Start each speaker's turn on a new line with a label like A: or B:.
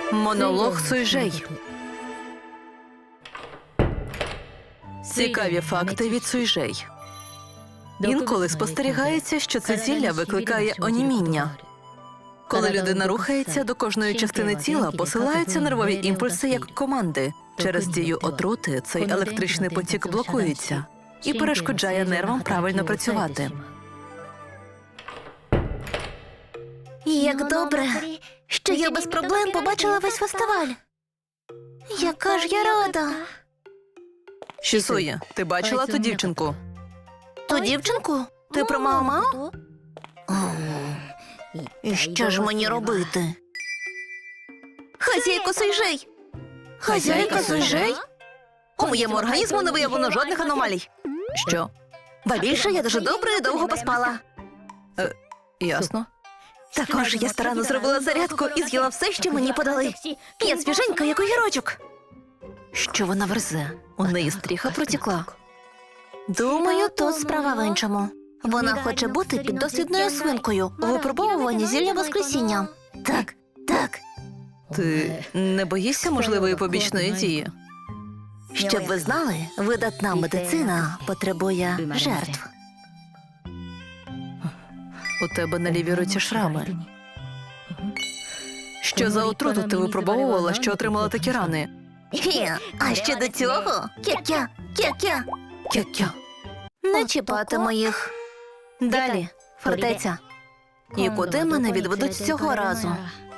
A: Монолог Суйжей. Цікаві факти від Суйжей. Інколи спостерігається, що це зілля викликає оніміння. Коли людина рухається, до кожної частини тіла посилаються нервові імпульси як команди. Через дію отрути цей електричний потік блокується і перешкоджає нервам правильно працювати.
B: Як добре, що я без проблем побачила весь фестиваль. Яка ж я рада.
A: Шісує, ти бачила ту дівчинку?
B: Ту дівчинку? Ти про Мао-Мао? І що ж мені робити? Хазяйко Суйжей! Хазяйка Суйжей? У моєму організму не виявлено жодних аномалій.
A: Що?
B: Ба більше я дуже добре і довго поспала.
A: Ясно.
B: Також я старанно зробила зарядку і з'їла все, що мені подали. Я свіженька, як огірочок.
A: Що вона верзе? У неї стріха протікла.
B: Думаю, тут справа в іншому. Вона хоче бути піддослідною свинкою у випробовуванні зілля Воскресіння. Так, так.
A: Ти не боїшся можливої побічної дії?
B: Щоб ви знали, видатна медицина потребує жертв.
A: У тебе на лівій руці шрами. Що за отруту ти випробовувала, що отримала такі рани?
B: А ще до цього? Кя-кя, кя-кя.
A: Кя-кя.
B: Не чіпатиму їх. Далі, фортеця. І куди мене відведуть цього разу?